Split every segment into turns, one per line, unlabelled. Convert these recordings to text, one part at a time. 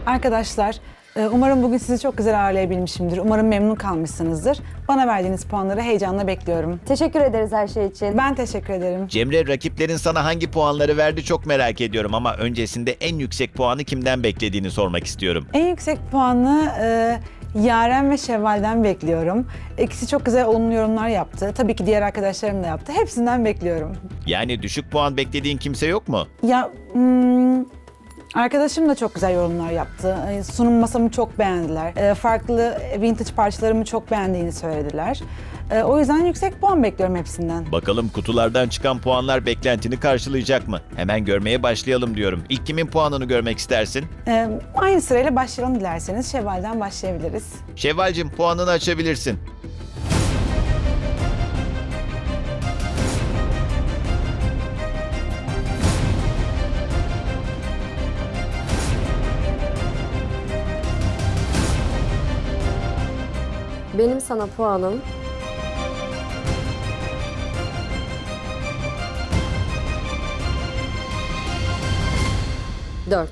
Arkadaşlar, umarım bugün sizi çok güzel ağırlayabilmişimdir. Umarım memnun kalmışsınızdır. Bana verdiğiniz puanları heyecanla bekliyorum.
Teşekkür ederiz her şey için.
Ben teşekkür ederim.
Cemre, rakiplerin sana hangi puanları verdi çok merak ediyorum ama öncesinde en yüksek puanı kimden beklediğini sormak istiyorum.
En yüksek puanı Yaren ve Şevval'den bekliyorum. İkisi çok güzel olumlu yorumlar yaptı. Tabii ki diğer arkadaşlarım da yaptı. Hepsinden bekliyorum.
Yani düşük puan beklediğin kimse yok mu?
Ya arkadaşım da çok güzel yorumlar yaptı. Sunum masamı çok beğendiler. Farklı vintage parçalarımı çok beğendiğini söylediler. O yüzden yüksek puan bekliyorum hepsinden.
Bakalım kutulardan çıkan puanlar beklentini karşılayacak mı? Hemen görmeye başlayalım diyorum. İlk kimin puanını görmek istersin?
Aynı sırayla başlayalım dilerseniz. Şevval'den başlayabiliriz.
Şevval'cim, puanını açabilirsin.
Benim sana puanım 4.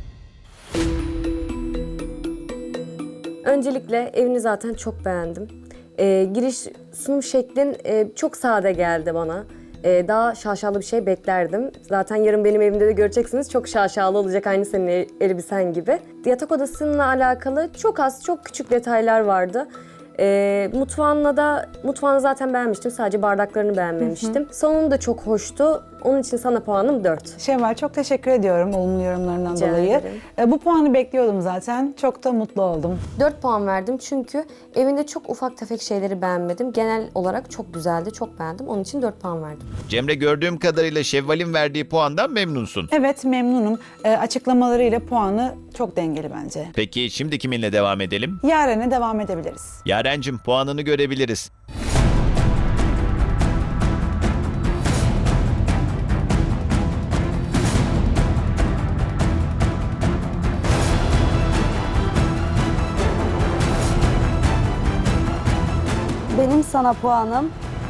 Öncelikle evini zaten çok beğendim. Giriş sunum şeklin çok sade geldi bana. Daha şaşalı bir şey beklerdim. Zaten yarın benim evimde de göreceksiniz. Çok şaşalı olacak, aynı senin elbisen gibi. Yatak odasıyla alakalı çok az, çok küçük detaylar vardı. Mutfağını zaten beğenmiştim. Sadece bardaklarını beğenmemiştim. Salonu da çok hoştu. Onun için sana puanım 4.
Şevval, çok teşekkür ediyorum olumlu yorumlarından
Rica
dolayı.
ederim.
Bu puanı bekliyordum zaten. Çok da mutlu oldum.
4 puan verdim çünkü evinde çok ufak tefek şeyleri beğenmedim. Genel olarak çok güzeldi, çok beğendim. Onun için 4 puan verdim.
Cemre, gördüğüm kadarıyla Şevval'in verdiği puandan memnunsun.
Evet, memnunum. Açıklamalarıyla puanı çok dengeli bence.
Peki şimdi kiminle devam edelim?
Yaren'e devam edebiliriz.
Yarencim, puanını görebiliriz.
Benim sana puanım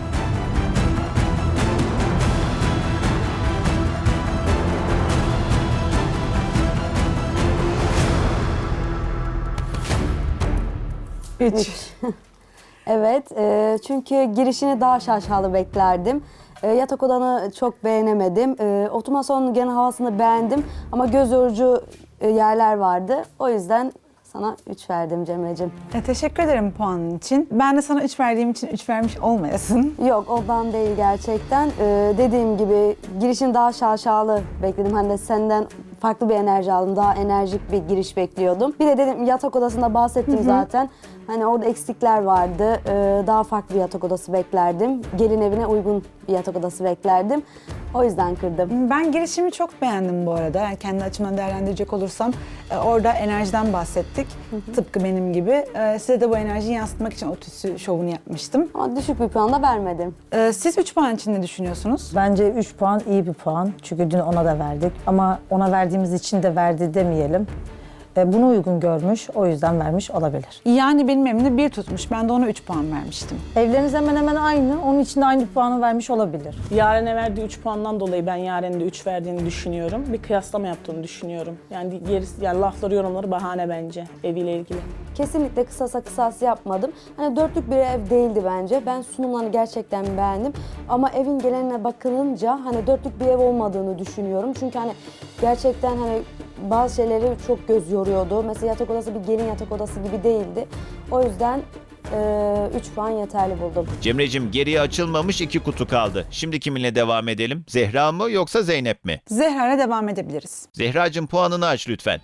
3.
Evet, çünkü girişini daha şaşalı beklerdim. Yatak odanı çok beğenemedim. Oturma salonunun genel havasını beğendim ama göz yorucu yerler vardı. O yüzden sana 3 verdim Cemre'cim.
Teşekkür ederim puanın için. Ben de sana 3 verdiğim için 3 vermiş olmayasın.
Yok, ondan değil gerçekten. Dediğim gibi girişin daha şaşalı bekledim. Hani de senden farklı bir enerji aldım. Daha enerjik bir giriş bekliyordum. Bir de dedim, yatak odasında bahsettim zaten. Hani orada eksikler vardı. Daha farklı bir yatak odası beklerdim. Gelin evine uygun bir yatak odası beklerdim. O yüzden kırdım.
Ben girişimi çok beğendim bu arada. Yani kendi açımdan değerlendirecek olursam orada enerjiden bahsettik. Tıpkı benim gibi. Size de bu enerjiyi yansıtmak için o tütsü şovunu yapmıştım.
Ama düşük bir puan da vermedim.
Siz 3 puan için ne düşünüyorsunuz?
Bence 3 puan iyi bir puan. Çünkü dün ona da verdik. Ama ona verdiğimiz için de verdi demeyelim. Bunu uygun görmüş, o yüzden vermiş olabilir.
Yani benim evimde 1 tutmuş. Ben de ona 3 puan vermiştim.
Evleriniz hemen hemen aynı. Onun için de aynı puanı vermiş olabilir.
Yaren'e verdiği 3 puandan dolayı ben Yaren'e de 3 verdiğini düşünüyorum. Bir kıyaslama yaptığını düşünüyorum. Yani yani lafları, yorumları bahane bence eviyle ilgili.
Kesinlikle kısasa kısas yapmadım. Hani dörtlük bir ev değildi bence. Ben sunumlarını gerçekten beğendim. Ama evin geneline bakılınca hani dörtlük bir ev olmadığını düşünüyorum. Çünkü hani gerçekten hani bazı şeyleri çok göz yoruyordu. Mesela yatak odası bir gelin yatak odası gibi değildi. O yüzden 3 puan yeterli buldum.
Cemre'cim, geriye açılmamış 2 kutu kaldı. Şimdi kiminle devam edelim? Zehra mı yoksa Zeynep mi?
Zehra'yla devam edebiliriz.
Zehracığım, puanını aç lütfen.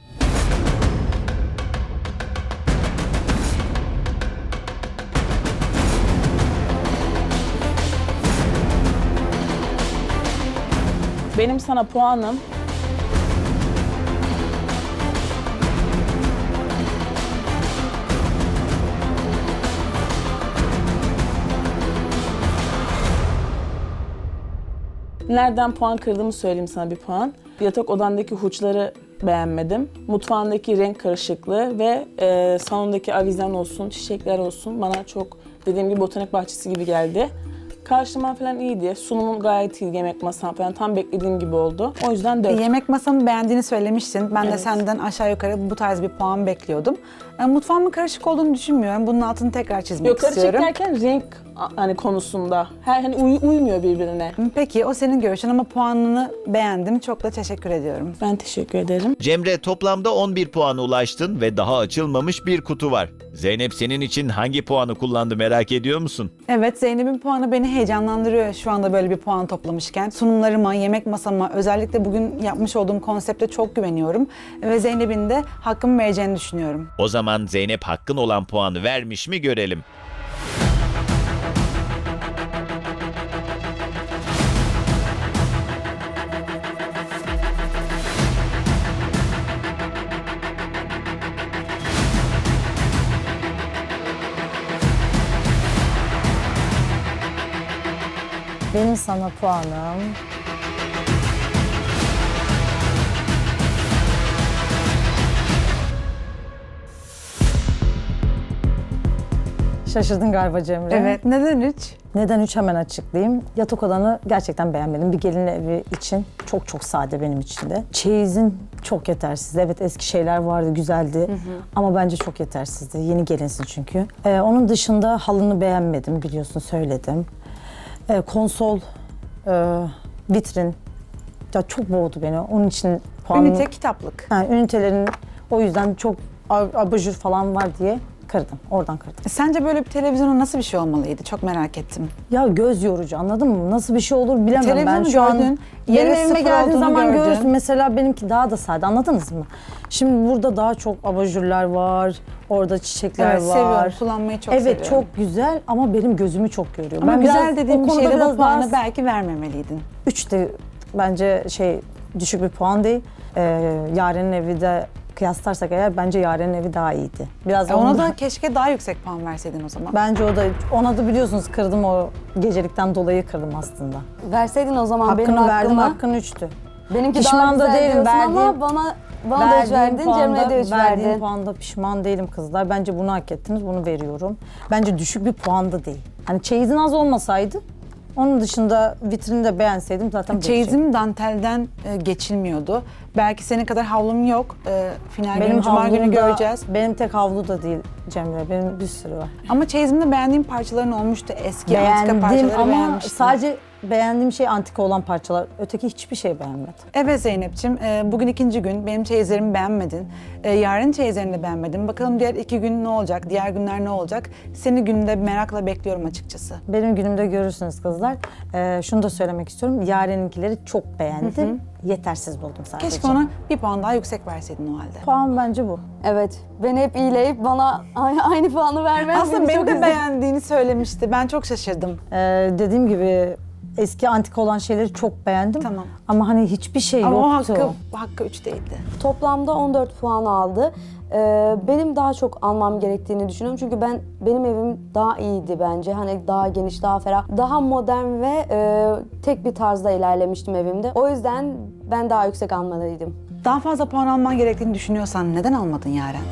Benim sana puanım nereden puan kırdığımı söyleyeyim sana bir puan. Yatak odandaki huçları beğenmedim. Mutfağındaki renk karışıklığı ve salondaki avizen olsun, çiçekler olsun bana çok, dediğim gibi, botanik bahçesi gibi geldi. Karşılama falan iyiydi. Sunumum gayet iyi, yemek masam falan tam beklediğim gibi oldu. O yüzden 4.
Yemek masamı beğendiğini söylemiştin. Ben de
Evet.
senden aşağı yukarı bu tarz bir puan bekliyordum. Mutfağımın karışık olduğunu düşünmüyorum. Bunun altını tekrar çizmek
Yok, karışık
istiyorum.
derken renk hani konusunda. Hani uymuyor birbirine.
Peki o senin görüşün ama puanını beğendim. Çok da teşekkür ediyorum.
Ben teşekkür ederim.
Cemre, toplamda 11 puana ulaştın ve daha açılmamış bir kutu var. Zeynep senin için hangi puanı kullandı merak ediyor musun?
Evet, Zeynep'in puanı beni heyecanlandırıyor şu anda böyle bir puan toplamışken. Sunumlarıma, yemek masama, özellikle bugün yapmış olduğum konsepte çok güveniyorum. Ve Zeynep'in de hakkımı vereceğini düşünüyorum.
O zaman Zeynep hakkın olan puanı vermiş mi görelim.
Benim sana puanım... Şaşırdın galiba Cemre.
Evet, neden 3?
Neden 3 hemen açıklayayım. Yatak odanı gerçekten beğenmedim. Bir gelin evi için çok sade benim için de. Çeyizin çok yetersiz. Evet, eski şeyler vardı, güzeldi. Ama bence çok yetersizdi. Yeni gelinsin çünkü. Onun dışında halını beğenmedim, biliyorsun, söyledim. Konsol, vitrin ya çok boğdu beni. Onun için puanım...
Ünite kitaplık.
Ünitelerin o yüzden çok abajur falan var diye kırdım. Oradan kırdım.
Sence böyle bir televizyonun nasıl bir şey olmalıydı? Çok merak ettim.
Ya göz yorucu, anladın mı? Nasıl bir şey olur bilemem ben.
Televizyonu
Şu an
gördün,
benim
yere
evime
sıfır
geldiğin
olduğunu
zaman
gördün.
görürsün. Mesela benimki daha da sade, anladınız mı? Şimdi burada daha çok abajurlar var. Orada çiçekler
Evet,
var.
seviyorum. Kullanmayı çok
evet,
seviyorum.
çok güzel ama benim gözümü çok yoruyor.
Ama
biraz
güzel dediğim
o
bir
konuda
şeyde bu
biraz
puanı
daha-
belki vermemeliydin.
3 de bence düşük bir puan değil. Yaren'in evi de kıyaslarsak eğer bence Yaren'in evi daha iyiydi. Biraz
Ona
onu
da keşke daha yüksek puan verseydin o zaman.
bence ona da biliyorsunuz kırdım, o gecelikten dolayı kırdım aslında.
Verseydin o zaman benim
Hakkını verdim,
hakkımı.
hakkın 3'tü.
Benimki
Pişman
daha
da
güzel
değilim,
diyorsun ama
verdiğim-
bana da 3 verdin, Cemre'ye de 3
verdiğim
verdin.
puanda pişman değilim kızlar. Bence bunu hak ettiniz, bunu veriyorum. Bence düşük bir puan da değil. Hani çeyizin az olmasaydı, onun dışında vitrini de beğenseydim zaten
Çeyizim dantelden geçilmiyordu. Belki senin kadar havlum yok. Final günü,
benim
cuma günü
havlum da-
göreceğiz.
Benim tek havlu da değil Cemre, benim bir sürü var.
Ama çeyizimde beğendiğim parçaların olmuştu. Eski antika
Beğendim
parçaları
ama
beğenmiştim.
sadece beğendiğim şey antika olan parçalar. Öteki hiçbir şey beğenmedim.
Evet Zeynep'ciğim, bugün ikinci gün. Benim çeyizlerimi beğenmedin. Yarın çeyizlerini de beğenmedin. Bakalım diğer 2 gün ne olacak, diğer günler ne olacak? Seni günde merakla bekliyorum açıkçası.
Benim günümde görürsünüz kızlar. Şunu da söylemek istiyorum. Yaren'inkileri çok beğendim. Yetersiz buldum sadece.
Keşke ona bir puan daha yüksek verseydin o halde.
Puan bence bu.
Evet, beni hep iyileyip bana aynı puanı vermen
Aslında
beni
beni
çok
de
üzdü.
beğendiğini söylemişti. Ben çok şaşırdım.
Dediğim gibi eski antika olan şeyleri çok beğendim.
Tamam.
Ama hani hiçbir şey
Ama o
yoktu.
hakkı 3 değildi.
Toplamda 14 puan aldı. Benim daha çok almam gerektiğini düşünüyorum. Çünkü benim evim daha iyiydi bence. Hani daha geniş, daha ferah, daha modern ve tek bir tarzda ilerlemiştim evimde. O yüzden ben daha yüksek almalıydım.
Daha fazla puan alman gerektiğini düşünüyorsan neden almadın Yaren?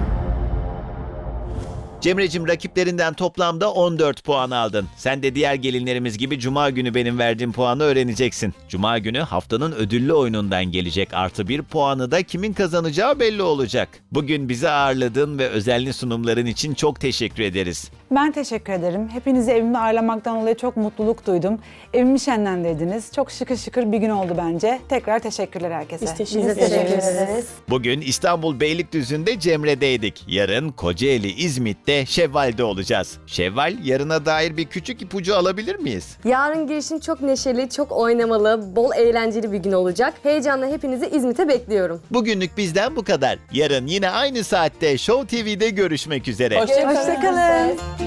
Cemre'cim, rakiplerinden toplamda 14 puan aldın. Sen de diğer gelinlerimiz gibi Cuma günü benim verdiğim puanı öğreneceksin. Cuma günü haftanın ödüllü oyunundan gelecek artı 1 puanı da kimin kazanacağı belli olacak. Bugün bizi ağırladığın ve özenli sunumların için çok teşekkür ederiz.
Ben teşekkür ederim. Hepinizi evimde ağırlamaktan dolayı çok mutluluk duydum. Evimi şenlendirdiniz. Çok şıkır şıkır bir gün oldu bence. Tekrar teşekkürler herkese.
Biz teşekkür
Biz de
ederiz.
teşekkür ederiz.
Bugün İstanbul Beylikdüzü'nde Cemre'deydik. Yarın Kocaeli, İzmit'te Şevval'de olacağız. Şevval, yarına dair bir küçük ipucu alabilir miyiz?
Yarın girişim çok neşeli, çok oynamalı, bol eğlenceli bir gün olacak. Heyecanla hepinizi İzmit'e bekliyorum.
Bugünlük bizden bu kadar. Yarın yine aynı saatte Show TV'de görüşmek üzere.
Hoşçakalın.
Hoşçakalın.